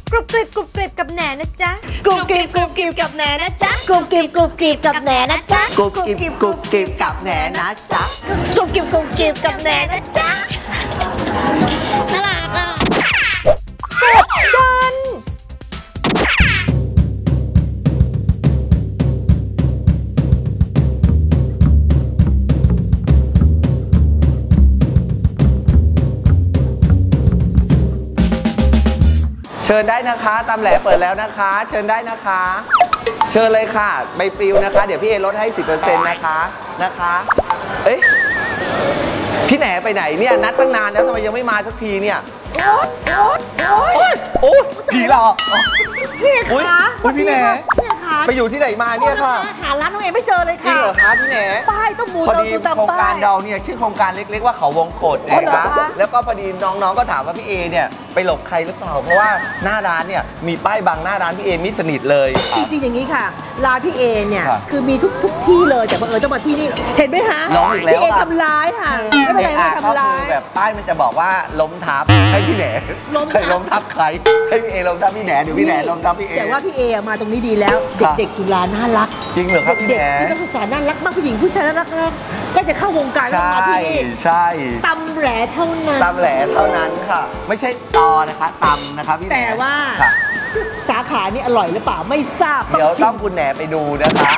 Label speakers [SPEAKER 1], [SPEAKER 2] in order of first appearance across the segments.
[SPEAKER 1] กรุบกริบกรุบกริบกับแหนนะจ๊ะ
[SPEAKER 2] กรุบกริบกรุบกริบกับแหนนะจ๊ะกรุบกริบกรุบกริบกับแหนนะจ๊ะ
[SPEAKER 3] กรุบกริบกรุบกริบกับแหนนะจ๊ะ
[SPEAKER 2] กรุบกริบกรุบกริบกับแหนนะจ๊ะน่ารักอ่ะ
[SPEAKER 1] กดดัน
[SPEAKER 3] เชิญได้นะคะตำแหลเปิดแล้วนะคะเชิญได้นะคะเชิญเลยค่ะใบปลิวนะคะเดี๋ยวพี่เอลดให้ 10% นะคะเอ้ยพี่แหนไปไหนเนี่ยนัดตั้งนานแล้วทำไมยังไม่มาสักทีเนี่ยโอ้ยผีหลอก
[SPEAKER 2] พี่คะ
[SPEAKER 3] พี่แหนไปอยู่ที่ไหนมาเนี่ยค่ะ
[SPEAKER 2] หาร้านน้องเอไม่เจอเลยค่ะ
[SPEAKER 3] จริงเหรอคะพี่แหน
[SPEAKER 2] ป้ายต้องมู
[SPEAKER 3] พอดีโครงการเราเนี่ยชื่อโครงการเล็กๆว่าเขาวงกตนะคะแล้วก็พอดีน้องๆก็ถามว่าพี่เอเนี่ยไปหลบใครหรือเปล่าเพราะว่าหน้าร้านเนี่ยมีป้ายบังหน้าร้านพี่เอมิดสนิทเลย
[SPEAKER 2] จริงๆอย่างนี้ค่ะร้านพี่เอเนี่ยคือมีทุกที่เลยแต่บังเอิญต้องมาที่นี่เห็นไหมคะ
[SPEAKER 3] น้องอีกแล้ว
[SPEAKER 2] พี่เอทำร้ายค่ะไม่เป็นไรไม่ทำร้าย
[SPEAKER 3] แบบป้ายมันจะบอกว่าล้มทับให้พี่แหนใครล้มทับใครให้พี่เอล้มทับพี่แหนหรือพี่แหนล้มทับพี่เอ
[SPEAKER 2] แต่ว่าพี่เอมาตรงนี้ดีแล้วเด็กๆจุฬาน่ารัก
[SPEAKER 3] จริงเหรอครับพี่แหน
[SPEAKER 2] เด็กที่นักศึกษาน่ารักมากผู้หญิงผู้ชายน่ารักก็จะเข้าวงการมาที่นี่
[SPEAKER 3] ใช่
[SPEAKER 2] ตำแหลเท่านั้น
[SPEAKER 3] ตำแหลเท่านั้นค่ะไม่ใช่ตอนะคะตำนะคะพี่แหน
[SPEAKER 2] แต่ว่าสาขานี้อร่อยหรือเปล่าไม่ทราบ
[SPEAKER 3] เดี๋ยวต้องคุณแหนไปดูนะคะ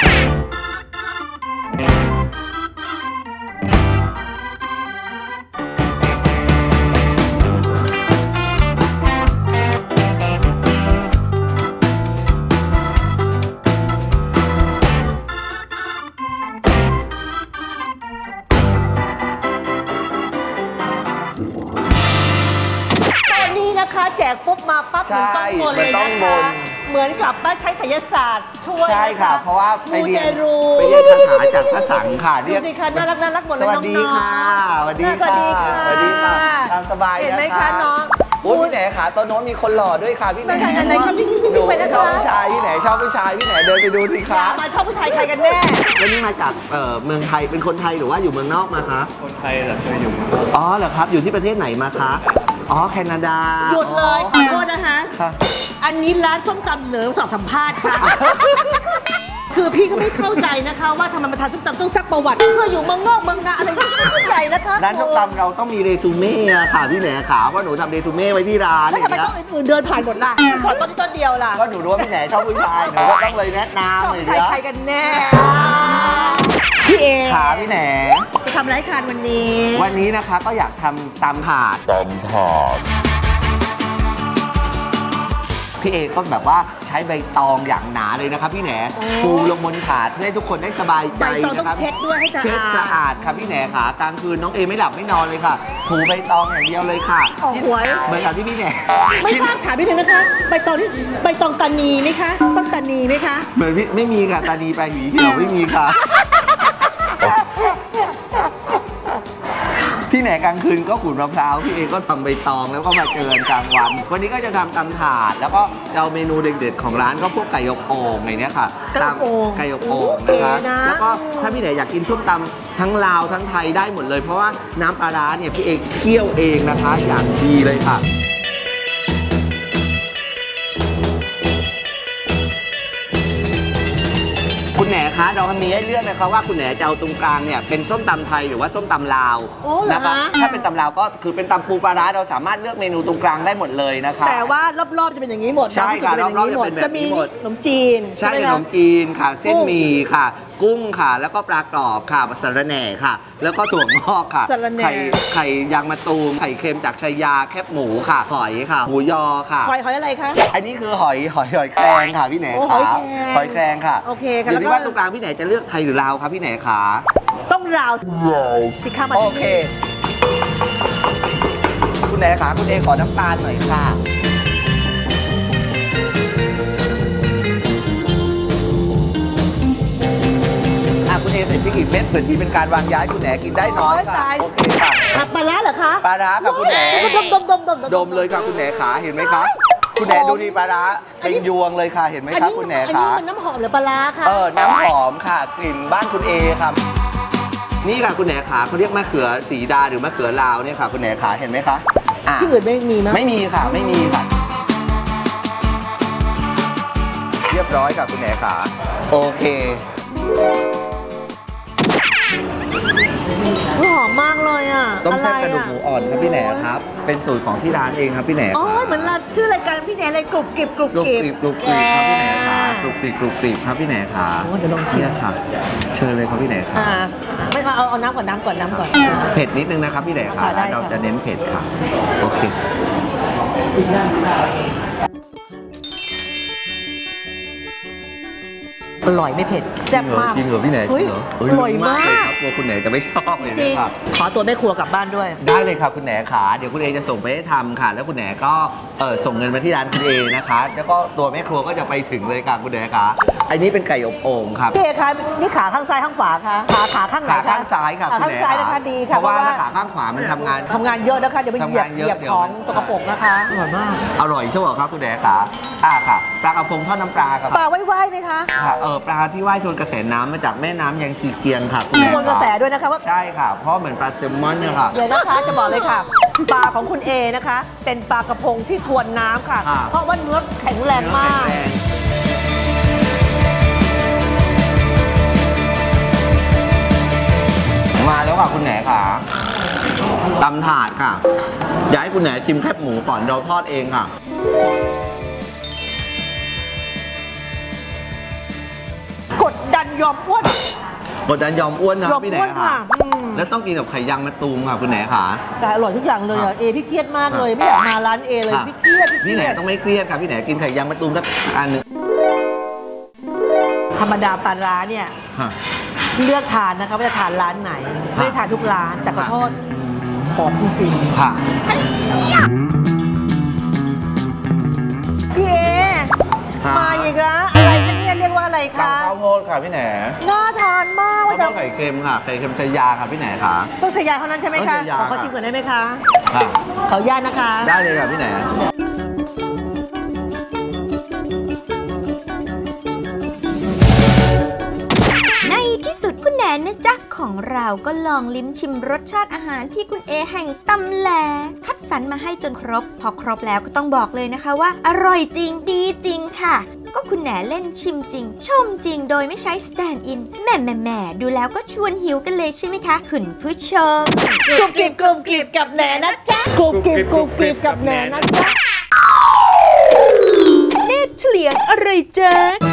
[SPEAKER 2] แจกปุ๊บมาปั๊บเหมือนต้องมนเลยนะคะเหมือนกับว่าใช้ไสยศาสตร์ช่วย
[SPEAKER 3] ใช่ค่ะเพราะว่าไปเรียนคาถาจากพระสังฆ์ค่ะ
[SPEAKER 2] เรียกน่ารักหมดเลยน้องๆ
[SPEAKER 3] สวัสดีค่ะสวัสดีค่ะตามสบาย
[SPEAKER 2] เห็นไหมคะน้อง
[SPEAKER 3] โอ้พี่แหนขาโต๊ะโน้นมีคนหล่อด้วยค่ะพี่แหน
[SPEAKER 2] ไหนครับพี่ไปนะคะ
[SPEAKER 3] ชอบผู้ชายพี่แหนชอบผู้ชายพี่แหนเดินไปดูสิคะ
[SPEAKER 2] มาชอบผู้ชายใครกันแน่
[SPEAKER 3] วันนี้มาจากเมืองไทยเป็นคนไทยหรือว่าอยู่เมืองนอกมาคะ
[SPEAKER 4] คนไทยแต่เคยอยู่
[SPEAKER 3] อ๋อเหรอครับอยู่ที่ประเทศไหนมาคะอ๋อแคนาดา
[SPEAKER 2] หยุดเลยขอโทษนะคะอันนี้ร้านส้มตำเหลืองสอบสัมภาษณ์ค่ะคือพี่ก็ไม่เข้าใจนะคะว่าทำไมมาทานส้มตำต้องซักประวัติเพื่ออยู่เมืองนอกเมืองนาอะไรไม่เข้าใจนะคะ
[SPEAKER 3] ร้านส้มตำเราต้องมีเรซูเม่ค่ะพี่แหนขาว่าหนูทำเรซูเม่ไว้ที่ร้าน
[SPEAKER 2] แล้วทำไมต้องอื่นเดินผ่านหมดล่ะขอต้นเดียวล่ะ
[SPEAKER 3] ก็หนูรู้ว่าพี่แหนชอบผู้ชายหนูก็ต้องเลยแนะนำเลย
[SPEAKER 2] ชอบใครกันแน่พี่เอ
[SPEAKER 3] ขาพี่แหน
[SPEAKER 2] จะทำอะไรทานวันนี้
[SPEAKER 3] นะคะก็อยากทำตำถาดพี่เอก็แบบว่าใช้ใบตองอย่างหนาเลยนะครับพี่แหนปูลงบนถาดเพื่อให้ทุกคนได้สบายใจนะครับ
[SPEAKER 2] เช็ดด้วยให้
[SPEAKER 3] สะอาดครับพี่แหนขากลางคืนน้องเอไม่หลับไม่นอนเลยค่ะถูใบตองอย่างเดียวเลยค่ะเหมือนกับที่พี่แหน
[SPEAKER 2] ไม่ทราบถามพี่หนึ่งนะคะใบตองตานีไหมคะต้องตานีไหมคะ
[SPEAKER 3] เหมือนพี่ไม่มีค่ะตานีไปหวีเหี่ยวไม่มีค่ะพี่แหนกลางคืนก็ขูดมะพร้าวพี่เอก็ทำใบตองแล้วก็มาเจอกลางวันนี้ก็จะทำตำถาดแล้วก็เอาเมนูเด็ดๆของร้านก็พวกไก่อบโอ่งอะไรเนี้ยค่ะไก่อบโอ่งนะคะแล้วก็ถ้าพี่แหนอยากกินส้มตำทั้งลาวทั้งไทยได้หมดเลยเพราะว่าน้ำปลาร้าเนี่ยพี่เอเคี่ยวเองนะคะอย่างดีเลยค่ะคุณแหนคะเรามีให้เลือกนะคะว่าคุณแหนจะเอาตรงกลางเนี่ยเป็นส้มตำไทยหรือว่าส้มตำลาวนะคะถ้าเป็นตำลาวก็คือเป็นตำปูปลาร้าเราสามารถเลือกเมนูตรงกลางได้หมดเลยนะคะ
[SPEAKER 2] แต่ว่ารอบๆจะเป็นอย่างนี้หมด
[SPEAKER 3] ใช่ค่ะรอบๆจะเป็นแบบนี้หมด
[SPEAKER 2] ขนมจีน
[SPEAKER 3] ใช่ขนมจีนค่ะเส้นหมี่ค่ะกุ้งค่ะแล้วก็ปลากรอบค่ะสะระแหน่ค่ะแล้วก็ถั่วงอกค่ะไข่ยางมะตูมไข่เค็มจากชัยยาแคบหมูค่ะหอยค่ะหมูยอค่ะ
[SPEAKER 2] หอยอะไรคะ
[SPEAKER 3] อันนี้คือหอยแครงค่ะพี่แหนขาหอยแครงค่ะ
[SPEAKER 2] โอเคค่ะ
[SPEAKER 3] อยู่ที่ว่าตรงกลางพี่แหนจะเลือกไทยหรือลาวครับพี่แหนขา
[SPEAKER 2] ต้องลาวสิคะมา
[SPEAKER 3] โอเคคุณแหนขาคุณเอขอน้ำตาลหน่อยค่ะคุณเอใส่พริกอีกเม็ดเผื่อที่เป็นการวางย้ายคุณแหนกินได้น้อยค่ะโอเคค่ะ
[SPEAKER 2] ปลาร้าเหรอคะ
[SPEAKER 3] ปลาร้าค่ะคุณแหนดมเลยค่ะคุณแหนขาเห็นไหมคะคุณแหนดูดีปลาร้าเป็นยวงเลยค่ะเห็นไหมคะคุณแหนขา
[SPEAKER 2] อันนี้มันน้ำหอมหรือปลาร้าคะ
[SPEAKER 3] น้ำหอมค่ะกลิ่นบ้านคุณเอครับนี่ค่ะคุณแหนขาเขาเรียกมะเขือสีดาหรือมะเขือลาวเนี่ยค่ะคุณแหนขาเห็นไหมคะ
[SPEAKER 2] ที่อื่นไม่มีมั้ย
[SPEAKER 3] ไม่มีค่ะไม่มีค่ะบร้อยค่ะคุณแหนขาโอเค
[SPEAKER 2] หอมมากเลยอ่ะ
[SPEAKER 3] ต้ม
[SPEAKER 2] อะไร
[SPEAKER 3] แซ่บกระดูก
[SPEAKER 2] อ่ะ
[SPEAKER 3] หมูอ่อนครับพี่แหนครับ เป็นสูตรของที่ร้านเองครับพี่แหน
[SPEAKER 2] อ๋อเหมือนร้านชื่อรายการพี่แหนเลยกรุบกริบกรุบ
[SPEAKER 3] กรุบ
[SPEAKER 2] กริบ
[SPEAKER 3] กริบกรุบกริบครับพี่แหนขากรุบกริบกรุบกริบครับพี่แหนขา
[SPEAKER 2] โอ้เดี๋ยวลองชิม
[SPEAKER 3] เนี่ยค่ะ เชิญเลยครับพี่แหนขา
[SPEAKER 2] ไม่เอาน้ำก่อนน้ำก่อนน้ำก่อน
[SPEAKER 3] เผ็ดนิดนึงนะครับพี่แหนขา
[SPEAKER 2] ค่ะได้
[SPEAKER 3] ร้านเรา
[SPEAKER 2] ค่ะ
[SPEAKER 3] จะเน้นเผ็ดค่ะโอเค
[SPEAKER 2] อร่อยไม่เผ็ดแซ่บมาก
[SPEAKER 3] จริงเหรอพี่แหน
[SPEAKER 2] เฮ้ย
[SPEAKER 3] จริงเหรอ
[SPEAKER 2] อร่อยมาก
[SPEAKER 3] เลยครับกลัวคุณแหนจะไม่ชอบเลย
[SPEAKER 2] จริง
[SPEAKER 3] นะครับ
[SPEAKER 2] ขอตัวแม่ครัวกลับบ้านด้วย
[SPEAKER 3] ได้เลยค่ะคุณแหนขาเดี๋ยวคุณเอจะส่งไปให้ทำค่ะ แล้วคุณแหนก็ส่งเงินมาที่ร้านคุณเอนะคะ แล้วก็ตัวแม่ครัวก็จะไปถึงเลยค่ะคุณแหนขาอันนี้เป็นไก่อบโอ่งครับ
[SPEAKER 2] พี่เอคะนี่ขาข้างซ้ายข้างขวาคะขาข้างไหน
[SPEAKER 3] ขา
[SPEAKER 2] คะ
[SPEAKER 3] ข้างซ้ายค่ะ
[SPEAKER 2] ขา
[SPEAKER 3] คุณ
[SPEAKER 2] ข้าง
[SPEAKER 3] แหน
[SPEAKER 2] ซ้ายนะคะดี
[SPEAKER 3] เพ
[SPEAKER 2] ค่ะ
[SPEAKER 3] ราะว่าถ้าขาข้างขวามันทำงาน
[SPEAKER 2] เยอะนะคะเดี๋ยวไปเหยียบ
[SPEAKER 3] ทำงานเยอะ
[SPEAKER 2] เหยียบ
[SPEAKER 3] เดี๋ยว
[SPEAKER 2] ของตกกระปรกนะคะอร่อยมาก
[SPEAKER 3] อร่อยใช่ไหมครับคุณแหนขาค่ะปลากระพงทอดน้ำปลาครับ
[SPEAKER 2] ปลาไหว้ไหมคะ
[SPEAKER 3] ค่ะปลาที่ว่ายทวนกระแสน้ำมาจากแม่น้ำยังซีเกียงค่ะคุณ
[SPEAKER 2] มี
[SPEAKER 3] แหน
[SPEAKER 2] วนกระแสด้วยนะคะว่า
[SPEAKER 3] ใช่ค่ะเพราะเหมือนปลาแซลมอนเนี่ยค่ะ
[SPEAKER 2] เดี๋ยวนะคะจะบอกเลยค่ะ ปลาของคุณเอนะคะ เป็นปลากระพงที่ทวนน้ำค่ะ
[SPEAKER 3] อ่า
[SPEAKER 2] เพราะว่าเนื้อแข็งแรงมาก
[SPEAKER 3] มาแล้วค่ะคุณแหนค่ะตำถาดค่ะอยากให้คุณแหนชิมแคบหมูก่อนเราทอดเองค่ะ
[SPEAKER 2] กดดันยอมอ้วน
[SPEAKER 3] กดดันยอมอ้วนนะ
[SPEAKER 2] ยอม
[SPEAKER 3] พี่แหน
[SPEAKER 2] อ้วน
[SPEAKER 3] ค่ะ
[SPEAKER 2] ค่ะ
[SPEAKER 3] แล้วต้องกินกับไข่ยางมะตูมค่ะคุณแหนค่ะ
[SPEAKER 2] แต่อร่อยทุกอย่างเลย
[SPEAKER 3] ครั
[SPEAKER 2] อ่ะ
[SPEAKER 3] บ
[SPEAKER 2] เอพี่เครียดมากเลยไม่อยากมาร้านเอเลย
[SPEAKER 3] ค่ะ
[SPEAKER 2] พี่เครียด
[SPEAKER 3] พี่แหนต้องไม่เครียดค่ะพี่แหนกินไข่ยางมะตูมสักอันหนึ่ง
[SPEAKER 2] ธรรมดาปลาร้าเนี่ย
[SPEAKER 3] ค่ะ
[SPEAKER 2] เลือกทานนะคะว่าจะทานร้านไหนไม่ได้ทานทุกร้าน แต่ขอโทษหอมจริง
[SPEAKER 3] ค่ะ
[SPEAKER 2] ๆพี่เอ
[SPEAKER 3] ค่ะ
[SPEAKER 2] มาอีกแล้วอะไรคะเนี่ยเรียกว่าอะไร
[SPEAKER 3] ตำ
[SPEAKER 2] คะ
[SPEAKER 3] ข้าวโพดค่ะพี่แหน
[SPEAKER 2] น่าทานมาก
[SPEAKER 3] ข้าว
[SPEAKER 2] ว่า
[SPEAKER 3] โพ
[SPEAKER 2] จะ
[SPEAKER 3] ดไข่เค็มค่ะไข่เค็มชายาค่ะพี่แหนค่ะ
[SPEAKER 2] ต้องใช้ยาเท่านั้นใช่ไหม
[SPEAKER 3] ต้อง
[SPEAKER 2] คะ
[SPEAKER 3] ใช้ยา
[SPEAKER 2] ขอชิมก่อนได้ไหมคะ
[SPEAKER 3] ค่ะ
[SPEAKER 2] ขออนุญาตนะคะ
[SPEAKER 3] ได้เลยค่ะพี่แหน
[SPEAKER 1] ในที่สุดคุณแหนนะจ๊ะของเราก็ลองลิ้มชิมรสชาติอาหารที่คุณเอแห่งตำแหลคัดสรรมาให้จนครบ พอครบแล้วก็ต้องบอกเลยนะคะว่าอร่อยจริงดีจริงค่ะ ก็คุณแหนเล่นชิมจริง ชมจริงโดยไม่ใช้สแตนด์อินแหม่ดูแล้วก็ชวนหิวกันเลยใช่ไหมคะคุณผู้ชม
[SPEAKER 2] กรุบกริบกรุบกริบกับแหนนะจ๊ะกรุบกริบกรุบกริบกับแหนนะจ๊ะ
[SPEAKER 1] เนตรเฉลียงอะไรจ๊ะ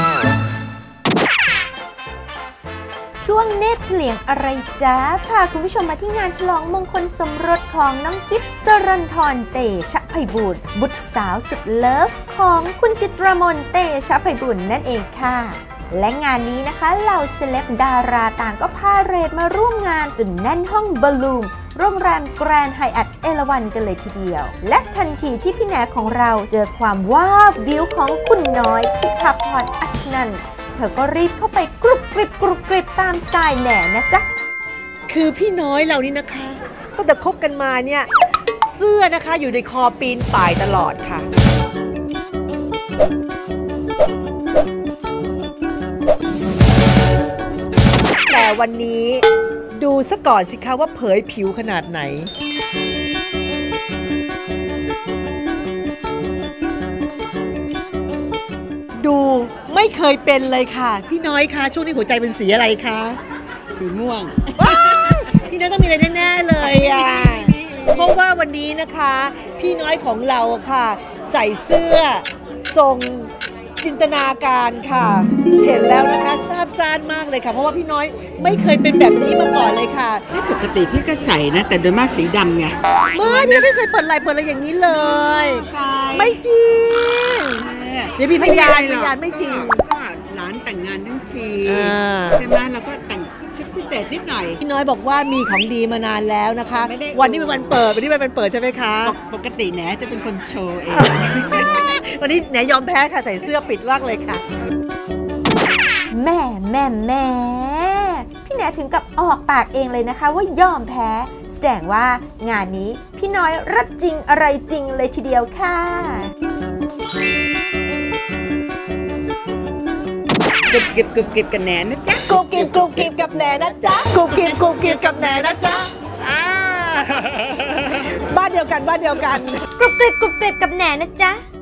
[SPEAKER 1] ช่วงเนตรเฉลียงอะไรจ๊ะพาคุณผู้ชมมาที่งานฉลองมงคลสมรสของน้องกิ๊บสรันทรเตชะไพบูลย์บุตรสาวสุดเลิฟของคุณจิตรมนเตชะไพบูลย์นั่นเองค่ะ และงานนี้นะคะเหล่าเซเลบดาราต่างก็พาเหรดมาร่วมงานจนแน่นห้องบอลลูมโรงแรมแกรนด์ไฮแอทเอราวัณกันเลยทีเดียว และทันทีที่พี่แหนของเราเจอความว้าววิวของคุณน้อยทิพพรอัชนันท์เธอก็รีบเข้าไปกรุบกริบตามสไตล์แหนนะจ๊ะ
[SPEAKER 2] คือพี่น้อยเรานี่นะคะตั้งแต่คบกันมาเนี่ยเสื้อนะคะอยู่ในคอปีนป่ายตลอดค่ะ แต่วันนี้ดูซะก่อนสิคะว่าเผยผิวขนาดไหน ดูไม่เคยเป็นเลยค่ะ พี่น้อยคะช่วงนี้หัวใจเป็นสีอะไรคะ
[SPEAKER 4] สีม่วง
[SPEAKER 2] พี่น้อยต้องมีอะไรแน่ๆเลยอ่ะ เพราะว่าวันนี้นะคะ พี่น้อยของเราค่ะ ใส่เสื้อทรงจินตนาการค่ะ เห็นแล้วนะคะซาบซ่านมากเลยค่ะ เพราะว่าพี่น้อยไม่เคยเป็นแบบนี้มาก่อนเลยค่ะ
[SPEAKER 4] ปกติพี่ก็ใส่นะ แต่โดยมากสีดำไง
[SPEAKER 2] พี่ไม่เคยเปิดอะไรอย่างนี้เลย
[SPEAKER 4] ใช่
[SPEAKER 2] ไม่จริง เดี๋ยวมีพยาน
[SPEAKER 4] หรอก
[SPEAKER 2] พยานไม่จริง
[SPEAKER 4] ก็หลานแต่งงานทั้งที
[SPEAKER 2] อ่า
[SPEAKER 4] ใช่ไหมเราก็แต่งชุดพิเศษนิดหน่อย
[SPEAKER 2] พี่น้อยบอกว่ามีของดีมานานแล้วนะคะ
[SPEAKER 4] ไม่ได้
[SPEAKER 2] วันนี้เป็นวันเปิดวันนี้เป็นวันเปิดใช่ไหมคะ
[SPEAKER 4] ปกติแหนจะเป็นคนโชว์เอง
[SPEAKER 2] วันนี้แหนยอมแพ้ค่ะใส่เสื้อปิดร่างเลยค่ะ
[SPEAKER 1] แม่พี่แหนถึงกับออกปากเองเลยนะคะว่ายอมแพ้แสดงว่างานนี้พี่น้อยรัดจริงอะไรจริงเลยทีเดียวค่ะ
[SPEAKER 4] กรุบกริบกันแหนนะจ๊ะ
[SPEAKER 2] กรุบกริบกับแหนนะจ๊ะกรุบกริบกับแหนนะจ๊ะบ้านเดียวกัน
[SPEAKER 1] กรุบกริบกับแหนนะจ๊ะ